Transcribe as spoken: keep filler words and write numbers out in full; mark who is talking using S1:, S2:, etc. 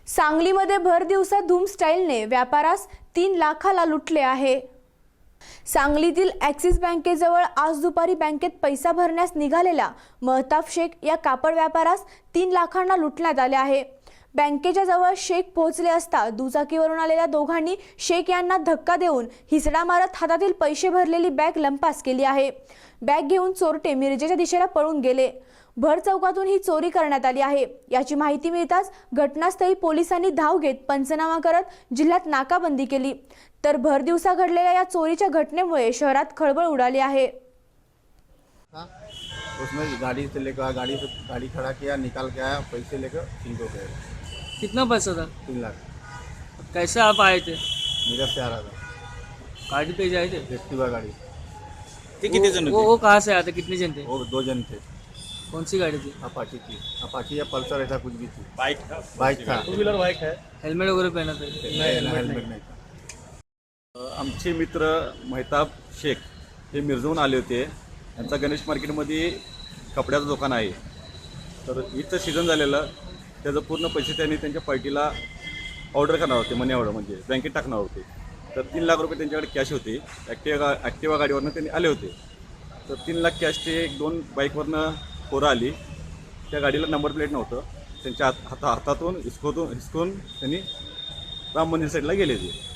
S1: सांगलीमध्ये भर दिवसा धूम स्टाईलने व्यापारास तीन लाखाला लुटले आहे। सांगलीतील ॲक्सिस बँकेजवळ आज दुपारी बँकेत पैसा भरण्यास निघालेल्या महताब शेख या कापड व्यापारास तीन लाखांना लुटण्यात आले आहे। बँकेच्या जवळ शेख पोहोचले असता दुचाकीवरून आलेल्या दोघांनी शेख यांना धक्का देऊन हिसडा मारत हातातील पैसे भरलेली बॅग लंपास केली आहे। बॅग घेऊन चोरटे मिरजेच्या दिशेला पळून गेले। भर चौकातून ही चोरी करण्यात आली आहे। याची माहिती मिळताच घटनास्थळी पोलिसांनी धाव घेत पंचनामा करत जिल्ह्यात नाकाबंदी केली। तर भर दिवसा घडलेल्या या चोरीच्या घटनेमुळे शहरात खळबळ उडाली आहे।
S2: उसमें गाड़ी से लेकर गाड़ी से गाड़ी खड़ा किया, निकाल के आया, पैसे लेकर छीन हो गए।
S3: कितना पैसा था?
S2: तीन लाख।
S3: कैसे आप आए थे?
S2: मेरा से आ रहा था,
S3: गाड़ी पे जाए थे?
S2: एक्टिवा गाड़ी।
S3: कितने जन वो, वो कहाँ से आए थे? कितने जन थे?
S2: वो दो जन थे।
S3: कौन सी गाड़ी थी?
S2: अपाची थी, अपाची या पल्सर ऐसा कुछ भी थी।
S4: बाइक था,
S2: बाइक था,
S4: टू व्हीलर बाइक है।
S3: हेलमेट वगैरह पहना था?
S2: नहीं, हेलमेट नहीं था।
S4: आमचे मित्र महताब शेख हे मिरजवून आले होते। यांचा गणेश मार्केटमध्ये कपड्याचं दुकान आहे। तर ईदचं सीझन झालेलं, त्याचं पूर्ण पैसे त्यांनी त्यांच्या पार्टीला ऑर्डर करणार होते, मनी ऑर्डर म्हणजे बँकेत टाकणार होते। तर तीन लाख रुपये त्यांच्याकडे कॅश होते। ॲक्टिवा ॲक्टिवा गाडीवरनं त्यांनी आले होते। तर तीन लाख कॅश ते एक दोन बाईकवरनं पोरं आली, त्या गाडीला नंबर प्लेट नव्हतं, त्यांच्या हात हाता हातातून हिसकोतून हिसकून त्यांनी राम मंदिर साईडला गेले ते।